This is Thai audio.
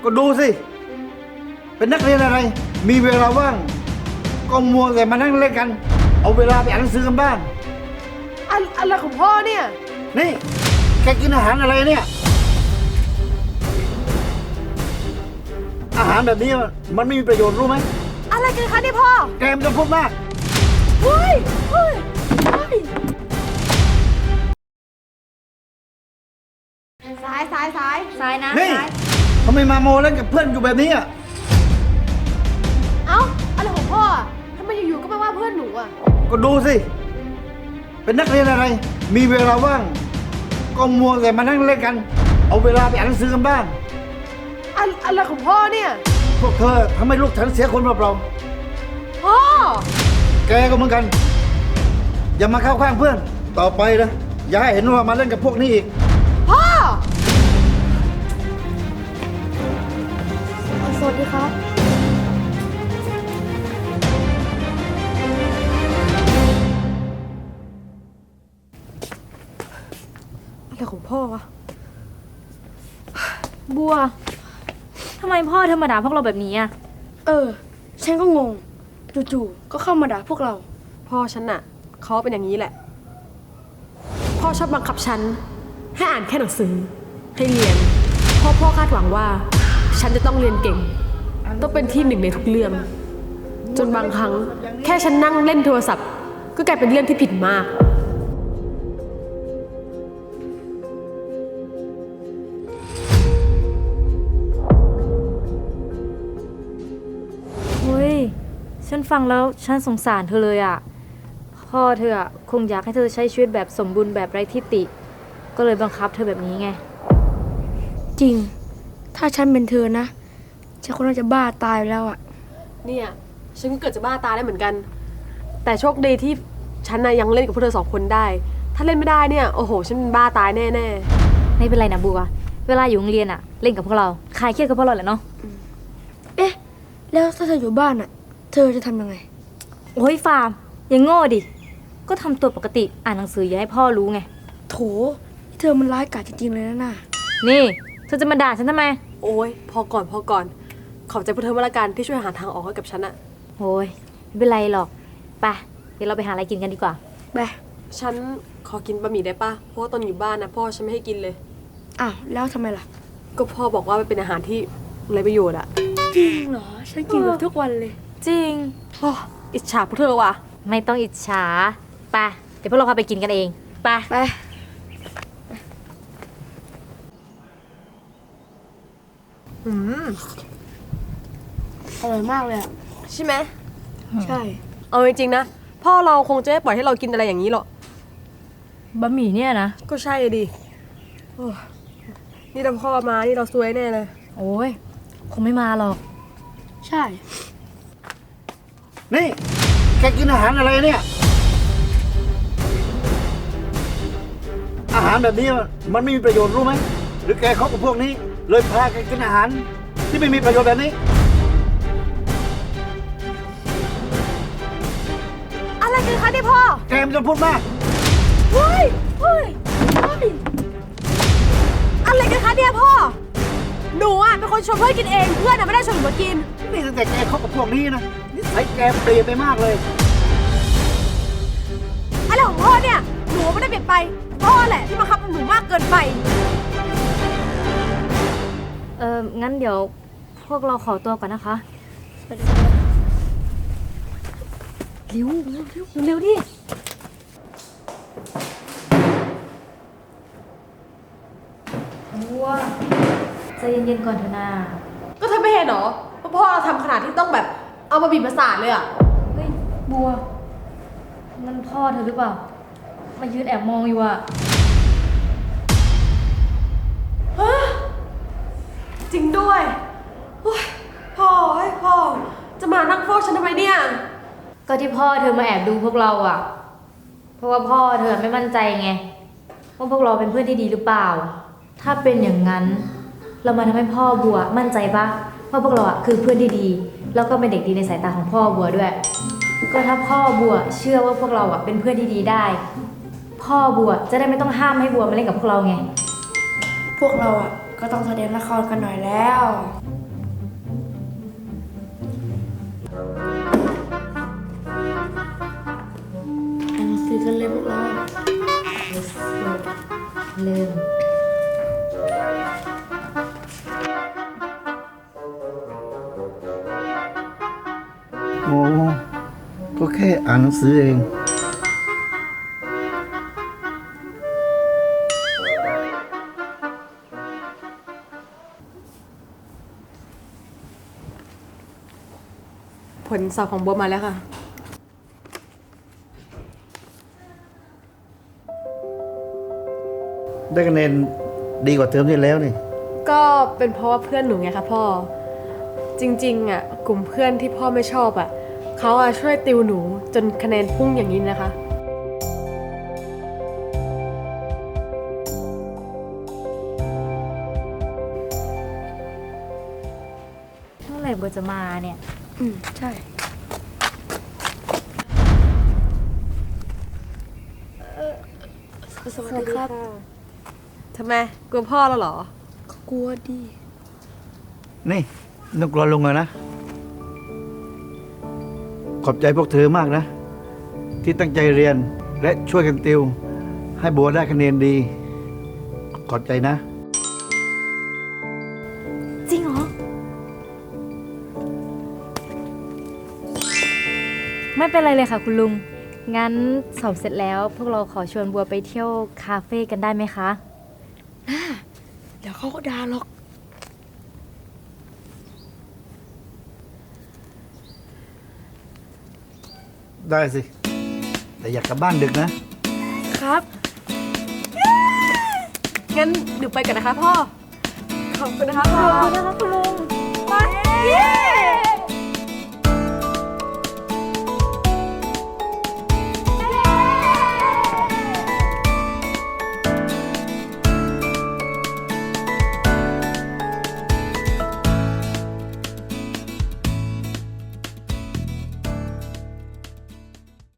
ก็ดูสิเป็นนักเรียนอะไรมีเวลาว่างก็มัวแต่มานั่งเล่นกันเอาเวลาไปอ่านหนังสือกันบ้างอะไรของพ่อเนี่ยนี่แกกินอาหารอะไรเนี่ยอาหารแบบนี้มันไม่มีประโยชน์รู้ไหมอะไรกันคะนี่พ่อแกมันจะพูดมากเฮ้ยซ้ายนะนี่ทำไมมาโมเล่นกับเพื่อนอยู่แบบนี้อ่ะเอ้าอะไรของพ่อทำไมอยู่ๆก็มาว่าเพื่อนหนูอ่ะก็ดูสิเป็นนักเรียนอะไรมีเวลาว่างก็มัวแต่มานั่งเล่นกันเอาเวลาไปอ่านหนังสือกันบ้างอะไรของพ่อเนี่ยพวกเธอทำให้ลูกฉันเสียคนเปล่าพ่อแกก็เหมือนกันอย่ามาเข้าข้างเพื่อนต่อไปนะอย่าให้เห็นว่ามาเล่นกับพวกนี้อีกพ่อสวัสดีครับอะไรของพ่อวะบัวทำไมพ่อเธอมาด่าพวกเราแบบนี้อ่ะฉันก็งงจู่ๆก็เข้ามาด่าพวกเราพ่อฉันน่ะเขาเป็นอย่างนี้แหละพ่อชอบบังคับฉันให้อ่านแค่หนังสือให้เรียนพ่อคาดหวังว่าฉันจะต้องเรียนเก่งต้องเป็นที่หนึ่งในทุกเรื่องจนบางครั้งแค่ฉันนั่งเล่นโทรศัพท์ก็กลายเป็นเรื่องที่ผิดมากเฮ้ยฉันฟังแล้วฉันสงสารเธอเลยอ่ะพ่อเธอคงอยากให้เธอใช้ชีวิตแบบสมบูรณ์แบบไร้ทิฏฐิก็เลยบังคับเธอแบบนี้ไงจริงถ้าฉันเป็นเธอนะฉันคงน่าจะบ้าตายแล้วอ่ะเนี่ยฉันก็เกิดจะบ้าตายได้เหมือนกันแต่โชคดีที่ฉันน่ะยังเล่นกับพวกเธอ2 คนได้ถ้าเล่นไม่ได้เนี่ยโอ้โหฉันบ้าตายแน่ๆไม่เป็นไรนะบัวเวลาอยู่โรงเรียนอ่ะเล่นกับพวกเราคลายเครียดกับพวกเราแหละเนาะแล้วถ้าเธออยู่บ้านอ่ะเธอจะทำยังไงโอ้ยฟาร์มยังโง่ดิก็ทำตัวปกติอ่านหนังสืออย่าให้พ่อรู้ไงโถเธอมันร้ายกาจจริงๆเลยนะน่ะนี่เธอจะมาด่าฉันทำไมโอ้ยพอก่อนขอบใจพวกเธอมาละกันที่ช่วยหาทางออกให้กับฉันอะโอ้ยไม่เป็นไรหรอกไปเดี๋ยวเราไปหาอะไรกินกันดีกว่าไปฉันขอกินบะหมี่ได้ปะเพราะว่าตอนอยู่บ้านนะพ่อฉันไม่ให้กินเลยอ้าวแล้วทำไมล่ะก็พ่อบอกว่ามันเป็นอาหารที่ไร้ประโยชน์อะจริงเหรอฉันกินแบบทุกวันเลยจริงโอ้อิจฉาพวกเธอว่ะไม่ต้องอิจฉาไปเดี๋ยวพวกเราพาไปกินกันเองไปอร่อยมากเลยอ่ะใช่ไหมใช่เอาจริงๆนะพ่อเราคงจะไม่ปล่อยให้เรากินอะไรอย่างนี้หรอกบะหมี่เนี่ยนะก็ใช่ดินี่ถ้าพ่อมานี่เราซวยแน่เลยโอ้ยคงไม่มาหรอกใช่นี่แกกินอาหารอะไรเนี่ยอาหารแบบนี้มันไม่มีประโยชน์รู้ไหมหรือแกคบกับพวกนี้เลยพาแกกินอาหารที่ไม่มีประโยชน์แบบนี้อะไรกันคะนี่พ่อแกมันจะพูดมากเฮ้ยอะไรกันคะเนี่ยพ่อหนูอะเป็นคนชวนเพื่อนกินเองเพื่อนอะไม่ได้ชวนหนูมากินนี่ตั้งแต่แกคบกับพวกนี้นะนิสัยแกเปลี่ยนไปมากเลยอะไรของพ่อเนี่ยหนูไม่ได้เปลี่ยนไปพ่อแหละที่บังคับหนูมากเกินไปงั้นเดี๋ยวพวกเราขอตัวก่อนนะคะเร็วดิบัวใจเย็นๆก่อนเถอะนาก็เธอไม่เห็นหรอว่าพ่อเราทำขนาดที่ต้องแบบเอามาบีบประสาทเลยอะเฮ้ยบัวนั่นพ่อเธอหรือเปล่ามายืนแอบมองอยู่อะจริงด้วยพ่อจะมานั่งฟ้องฉันทำไมเนี่ยก็ที่พ่อเธอมาแอบดูพวกเราอะเพราะว่าพ่อเธอไม่มั่นใจไงว่าพวกเราเป็นเพื่อนที่ดีหรือเปล่าถ้าเป็นอย่างนั้นเรามาทำให้พ่อบัวมั่นใจปะว่าพวกเราอะคือเพื่อนที่ดีแล้วก็เป็นเด็กดีในสายตาของพ่อบัวด้วยก็ถ้าพ่อบัวเชื่อว่าพวกเราอะเป็นเพื่อนที่ดีได้พ่อบัวจะได้ไม่ต้องห้ามให้บัวมาเล่นกับพวกเราไงพวกเราอ่ะก็ต้องแสดงละครกันหน่อยแล้วเริ่มโอ้ก็แค่อ่านหนังสือเองผลสอบของบัวมาแล้วค่ะได้คะแนนดีกว่าเทอมที่แล้วนี่ก็เป็นเพราะว่าเพื่อนหนูไงคะพ่อ จริงๆอ่ะกลุ่มเพื่อนที่พ่อไม่ชอบอ่ะเขาอ่ะช่วยติวหนูจนคะแนนพุ่งอย่างนี้นะคะเมื่อไหร่บัวจะมาเนี่ยใช่ สวัสดีครับทำไมกลัวพ่อแล้วเหรอกลัวดินี่นึกรอลงเลยนะ ขอบใจพวกเธอมากนะ ที่ตั้งใจเรียนและช่วยกันติว ให้บัวได้คะแนนดี ขอบใจนะจริงเหรอ ไม่เป็นไรเลยค่ะคุณลุง งั้นสอบเสร็จแล้วพวกเราขอชวนบัวไปเที่ยวคาเฟ่กันได้ไหมคะเดี๋ยวเขาก็ด่าหรอกได้สิ แต่อยากกลับบ้านดึกนะครับ งั้นหนูไปกันนะคะพ่อ ขอบคุณนะคะพ่อขอบคุณนะคะคุณลุง